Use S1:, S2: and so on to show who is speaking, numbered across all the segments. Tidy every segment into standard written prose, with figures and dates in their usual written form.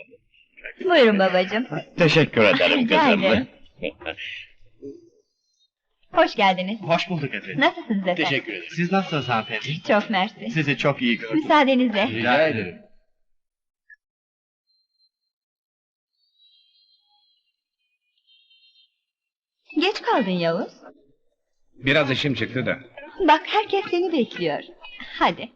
S1: Buyurun babacığım.
S2: Teşekkür ederim
S1: Rica
S2: kızım.
S1: ederim. Hoş geldiniz.
S3: Hoş bulduk efendim.
S1: Nasılsınız efendim?
S3: Teşekkür ederim. Siz nasılsınız hanımefendi?
S1: Çok mersi.
S3: Sizi çok iyi gördüm.
S1: Müsaadenizle.
S3: Rica ederim.
S1: Geç kaldın Yavuz.
S4: Biraz işim çıktı da.
S1: Bak herkes seni bekliyor. Hadi.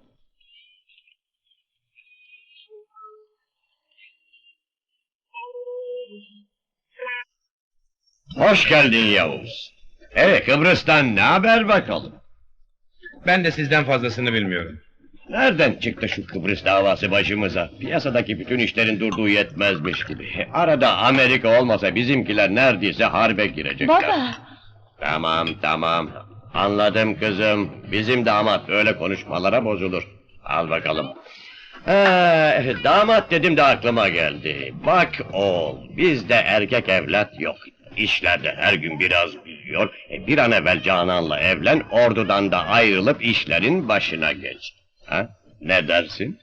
S2: Hoş geldin Yavuz. Kıbrıs'tan ne haber bakalım?
S4: Ben de sizden fazlasını bilmiyorum.
S2: Nereden çıktı şu Kıbrıs davası başımıza? Piyasadaki bütün işlerin durduğu yetmezmiş gibi. Arada Amerika olmasa bizimkiler neredeyse harbe girecekler.
S1: Baba.
S2: Tamam. Anladım kızım. Bizim damat öyle konuşmalara bozulur. Al bakalım. Damat dedim de aklıma geldi. Bak oğul, bizde erkek evlat yok. İşlerde her gün biraz büyüyor. Bir an evvel Canan'la evlen, ordudan da ayrılıp işlerin başına geç. Ha? Ne dersin?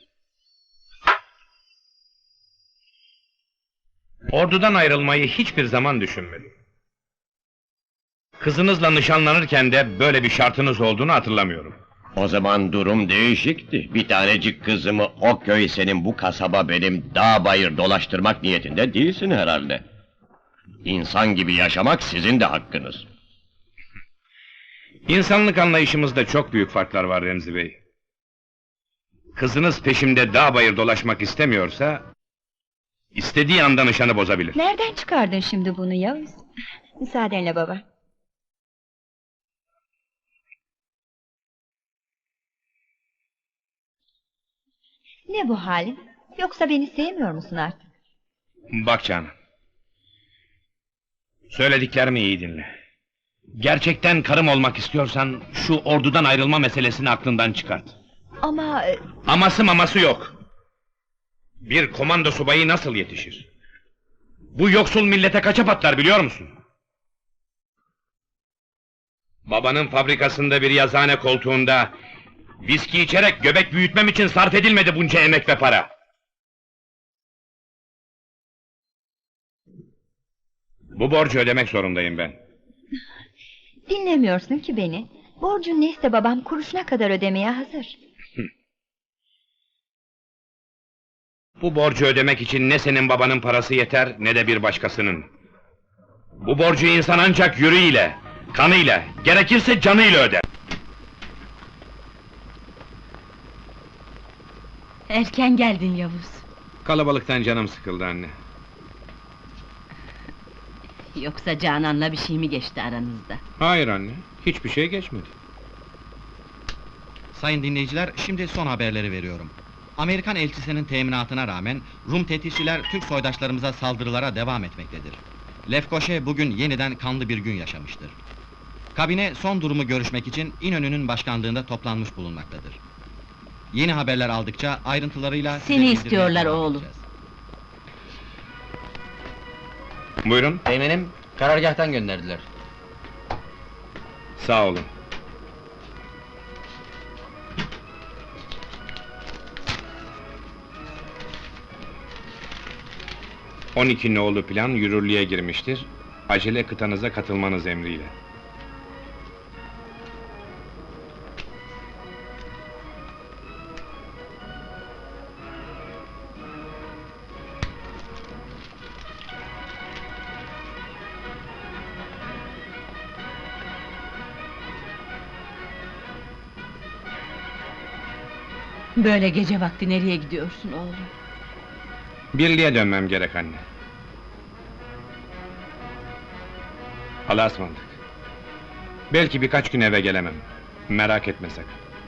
S4: Ordudan ayrılmayı hiçbir zaman düşünmedim. Kızınızla nişanlanırken de böyle bir şartınız olduğunu hatırlamıyorum.
S2: O zaman durum değişikti. Bir tanecik kızımı o köy senin, bu kasaba benim, dağ bayır dolaştırmak niyetinde değilsin herhalde. İnsan gibi yaşamak sizin de hakkınız.
S4: İnsanlık anlayışımızda çok büyük farklar var Remzi Bey. Kızınız peşimde dağ bayır dolaşmak istemiyorsa, istediği anda nişanı bozabilir.
S1: Nereden çıkardın şimdi bunu Yavuz? Müsaadenle baba. Ne bu halin? Yoksa beni sevmiyor musun artık?
S4: Bak Canan. Söylediklerimi iyi dinle. Gerçekten karım olmak istiyorsan, şu ordudan ayrılma meselesini aklından çıkart.
S1: Ama...
S4: Aması maması yok. Bir komando subayı nasıl yetişir? Bu yoksul millete kaça patlar biliyor musun? Babanın fabrikasında bir yazıhane koltuğunda viski içerek göbek büyütmem için sarf edilmedi bunca emek ve para. Bu borcu ödemek zorundayım ben.
S1: Dinlemiyorsun ki beni. Borcun neyse babam kuruşuna kadar ödemeye hazır.
S4: Bu borcu ödemek için ne senin babanın parası yeter, ne de bir başkasının. Bu borcu insan ancak yüreğiyle, kanıyla, gerekirse canıyla öder.
S5: Erken geldin Yavuz.
S4: Kalabalıktan canım sıkıldı anne.
S5: Yoksa Canan'la bir şey mi geçti aranızda?
S4: Hayır anne, hiçbir şey geçmedi.
S3: Sayın dinleyiciler, şimdi son haberleri veriyorum. Amerikan elçisinin teminatına rağmen Rum tetikçiler Türk soydaşlarımıza saldırılara devam etmektedir. Lefkoşe bugün yeniden kanlı bir gün yaşamıştır. Kabine son durumu görüşmek için İnönü'nün başkanlığında toplanmış bulunmaktadır. Yeni haberler aldıkça ayrıntılarıyla size
S5: Seni
S3: bildirmeye
S5: istiyorlar
S3: devam
S5: oğlum.
S3: edeceğiz.
S4: Buyurun,
S6: Teğmenim, karargâhtan gönderdiler.
S4: sağ olun. ...12 nolu plan yürürlüğe girmiştir. Acele kıtanıza katılmanız emriyle.
S5: Böyle gece vakti nereye gidiyorsun oğlum?
S4: Birliğe dönmem gerek anne. Allah'a ısmarladık. Belki birkaç gün eve gelemem. Merak etme sakın.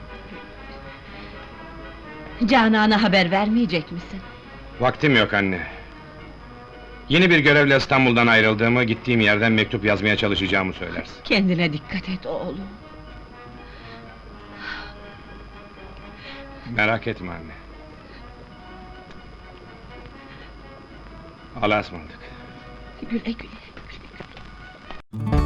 S5: Canan'a haber vermeyecek misin?
S4: Vaktim yok anne. Yeni bir görevle İstanbul'dan ayrıldığımı, gittiğim yerden mektup yazmaya çalışacağımı söylersin.
S5: Kendine dikkat et oğlum.
S4: Merak etme anne. Allah'a ısmarladık.
S5: Güle güle.